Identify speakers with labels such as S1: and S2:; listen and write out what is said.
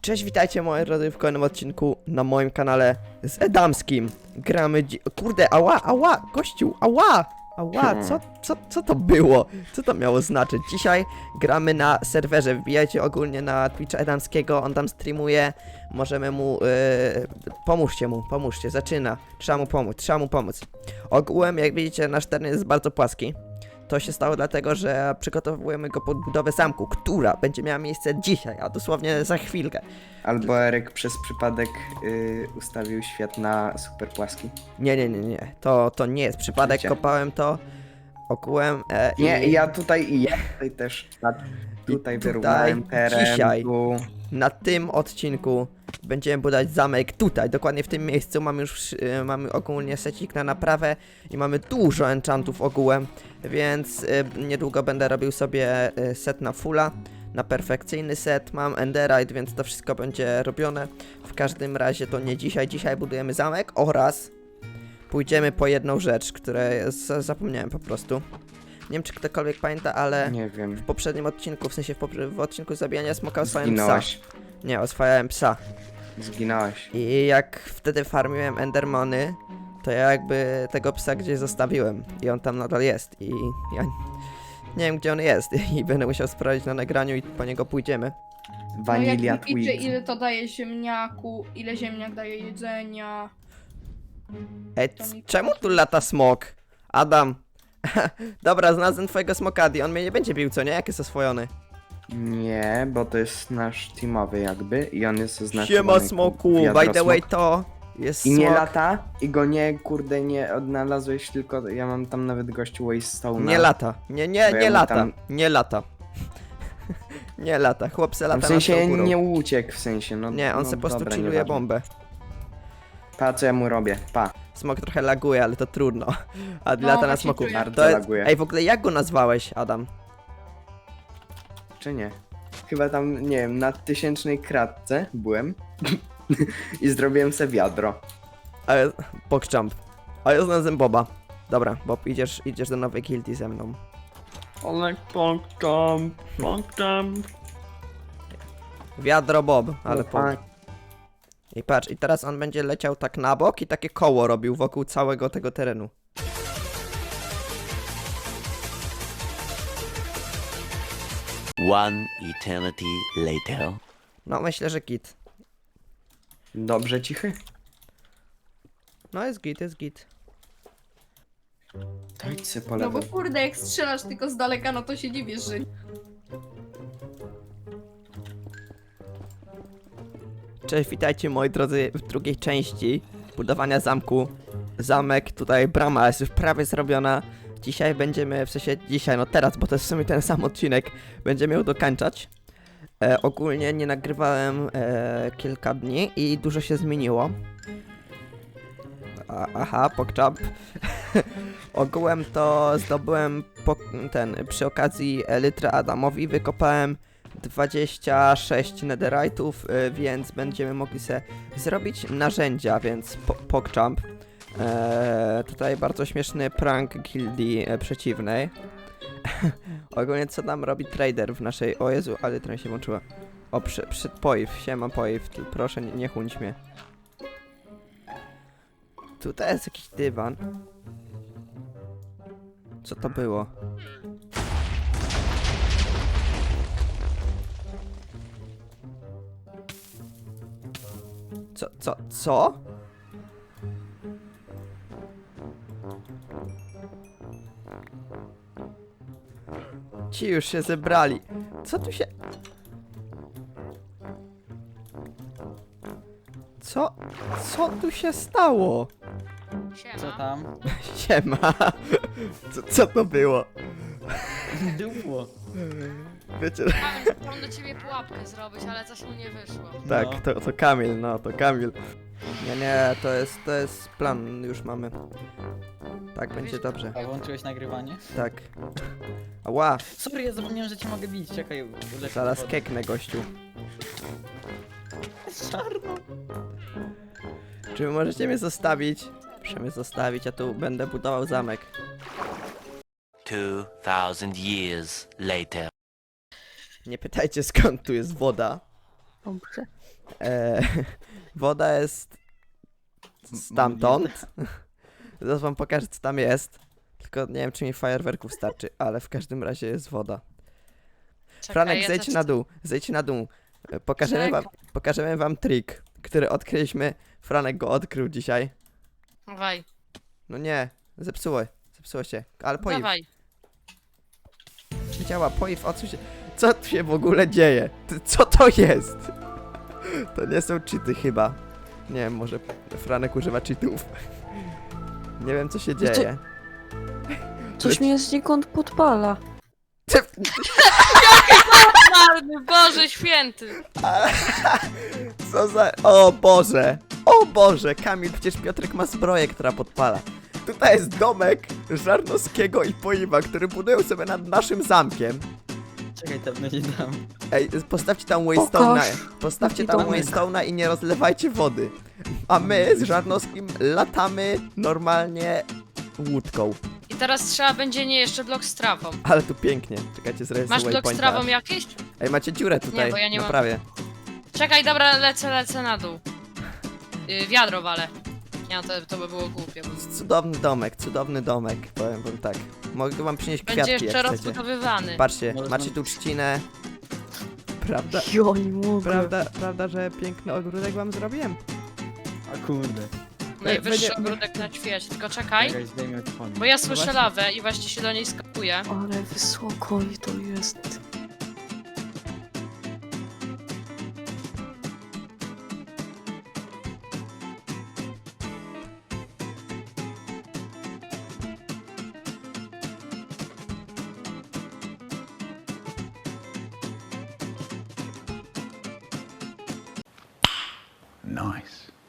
S1: Cześć, witajcie moi drodzy w kolejnym odcinku na moim kanale z Edamskim. Gramy kurde, ała, gościu, ała, co to było? Co to miało znaczyć? Dzisiaj gramy na serwerze, wbijajcie ogólnie na Twitcha Edamskiego, on tam streamuje, możemy mu, pomóżcie, zaczyna, trzeba mu pomóc. Ogółem, jak widzicie, nasz teren jest bardzo płaski. To się stało dlatego, że przygotowujemy go pod budowę zamku, która będzie miała miejsce dzisiaj, a dosłownie za chwilkę.
S2: Albo Eryk przez przypadek ustawił świat na super płaski.
S1: Nie. To nie jest przypadek,
S2: Życie.
S1: kopałem to, okułem.
S2: Nie, ja tutaj też tutaj wyrównałem teren.
S1: dzisiaj na tym odcinku będziemy budować zamek tutaj, dokładnie w tym miejscu. Mamy już mamy ogólnie secik na naprawę i mamy dużo enchantów ogółem, więc niedługo będę robił sobie set na fulla, na perfekcyjny set. Mam enderite, więc to wszystko będzie robione. W każdym razie to nie dzisiaj. Dzisiaj budujemy zamek oraz pójdziemy po jedną rzecz, której zapomniałem po prostu. Nie wiem, czy ktokolwiek pamięta, ale
S2: Nie wiem.
S1: w poprzednim odcinku, w sensie w odcinku zabijania smoka oswajałem psa.
S2: Zginąłeś.
S1: Nie, oswajałem psa.
S2: Zginąłeś.
S1: I jak wtedy farmiłem endermony, to ja jakby tego psa gdzieś zostawiłem. I on tam nadal jest. I ja nie wiem, gdzie on jest. I będę musiał sprawdzić na nagraniu i po niego pójdziemy.
S2: Vanilla
S3: jak liczy,
S2: Tweet.
S3: ile to daje ziemniaku, ile ziemniak daje jedzenia.
S1: Ej, czemu tu lata smok? Adam. Dobra, znalazłem twojego smokadi. On mnie nie będzie bił, co nie? Jak jest oswojony?
S2: Nie, bo to jest nasz teamowy jakby i on jest oznaczony.
S1: Siema
S2: jako
S1: smoku,
S2: wiadro
S1: by the way
S2: smok.
S1: to jest
S2: I nie
S1: smok.
S2: lata, i go nie, kurde, nie odnalazłeś, tylko ja mam tam nawet gościu Wastestone'a.
S1: Nie lata. Nie
S2: Bo ja mu
S1: lata.
S2: tam-
S1: Nie lata. Nie lata. Chłop se lata
S2: W
S1: nad
S2: sensie
S1: tą górą.
S2: nie uciekł, w sensie, no.
S1: Nie, on
S2: no,
S1: se po prostu
S2: dobra,
S1: chilluje
S2: nieważne.
S1: bombę.
S2: Pa, co ja mu robię, pa.
S1: Smok trochę laguje, ale to trudno. A
S3: No,
S1: lata na
S3: właśnie
S1: smoku.
S3: czuję.
S2: Bardzo
S1: To jest...
S2: laguje.
S1: Ej, w ogóle jak go nazwałeś, Adam?
S2: Czy nie? Chyba tam, nie wiem, na 1000 kratce byłem i zrobiłem se wiadro.
S1: Ale... Pogchamp. A ja znalazłem Boba. Dobra, Bob, idziesz do nowej guildii ze mną.
S2: Ale pąkam.
S1: Wiadro Bob,
S2: No
S1: ale po... I patrz, i teraz on będzie leciał tak na bok i takie koło robił wokół całego tego terenu.
S4: One eternity later.
S1: No, myślę, że git.
S2: Dobrze cichy?
S1: No, jest git.
S2: To idź se po
S3: No bo
S2: lewo.
S3: kurde, jak strzelasz tylko z daleka, no to się dziwisz, że...
S1: Cześć, witajcie moi drodzy w drugiej części budowania zamku. Zamek, tutaj brama jest już prawie zrobiona. Dzisiaj będziemy, w sensie dzisiaj, no teraz, bo to jest w sumie ten sam odcinek, będziemy ją dokańczać. Ogólnie nie nagrywałem kilka dni i dużo się zmieniło. Aha, pokczap. Ogółem to zdobyłem przy okazji elytry Adamowi, wykopałem 26 netherite'ów, więc będziemy mogli sobie zrobić narzędzia, więc pokczamp. Tutaj bardzo śmieszny prank gildii przeciwnej. Ogólnie co nam robi trader w naszej... O Jezu, ale trochę się włączyła. O, poiw, siema poiw, proszę nie chuńć mnie. Tutaj jest jakiś dywan. Co to było? Co? Ci już się zebrali. Co tu się... Co tu się stało?
S5: Co tam?
S1: Siema. Co to było?
S5: Dupło.
S1: Wiecie...
S6: Mam do ciebie pułapkę zrobić, ale coś mu nie wyszło.
S1: Tak,
S5: No.
S1: to Kamil, no to Kamil. Nie, to jest plan, już mamy. Tak, będzie dobrze.
S5: A włączyłeś nagrywanie?
S1: Tak. Ała,
S5: Sorry, ja zapomniałem, że cię mogę bić. Czekaj, ulecę
S1: zaraz
S5: wodę.
S1: keknę, gościu.
S5: Czarno.
S1: Czy wy możecie mnie zostawić? Proszę mnie zostawić, ja tu będę budował zamek.
S4: 2000 years later.
S1: Nie pytajcie skąd tu jest woda.
S7: Dobrze.
S1: E, woda jest stamtąd. Zaraz wam pokażę, co tam jest. Tylko nie wiem, czy mi fajerwerków starczy, ale w każdym razie jest woda.
S6: Czekaj,
S1: Franek,
S6: ja
S1: zejdź
S6: też-
S1: na dół, zejdź na dół. Pokażemy wam trik, który odkryliśmy. Franek go odkrył dzisiaj.
S6: Dawaj,
S1: No nie, zepsuło się, ale poiw.
S6: dawaj.
S1: Działa, poiw, odsuń się. Co tu się w ogóle dzieje? Co to jest? To nie są cheaty chyba. Nie wiem, może Franek używa cheatów. Nie wiem, co się
S7: Wiecie-
S1: dzieje.
S7: Coś mnie znikąd podpala.
S6: Marny Boże Święty!
S1: Co za... O Boże! O Boże! Kamil, przecież Piotrek ma zbroję, która podpala. Tutaj jest domek Żarnowskiego i Poiwa, który budują sobie nad naszym zamkiem.
S5: Czekaj, tam nie dam.
S1: Ej, postawcie tam Waystone'a.
S7: Pokaż.
S1: Postawcie
S7: Jaki
S1: tam
S7: domek.
S1: Waystone'a i nie rozlewajcie wody. A my z Żarnowskim latamy normalnie łódką.
S6: I teraz trzeba będzie nie jeszcze blok z trawą.
S1: Ale tu pięknie. Czekajcie, zrobię
S6: Masz
S1: sobie
S6: blok z
S1: waypointa.
S6: trawą jakiś?
S1: Ej, macie dziurę tutaj,
S6: Nie, bo ja nie mam.
S1: prawie.
S6: Czekaj, dobra, lecę na dół. Wiadro wale. Nie, no to by było głupie. Bo
S1: Cudowny domek, powiem wam tak. Mogę wam przynieść
S6: będzie
S1: kwiatki,
S6: jeszcze
S1: jak chcecie.
S6: rozbudowywany.
S1: Patrzcie,
S5: Możesz
S1: macie
S5: nam-
S1: tu trzcinę. Prawda,
S7: Jo, nie mogę.
S1: prawda, że piękny ogródek wam zrobiłem?
S5: A kurde.
S6: Najwyższy
S1: będzie-
S6: ogródek na świecie. Tylko czekaj,
S5: Czekaj, zdejmę odpony.
S6: bo ja słyszę
S1: właśnie.
S6: lawę i właśnie się do niej skakuję.
S7: Ale wysoko i to jest.
S8: Nice.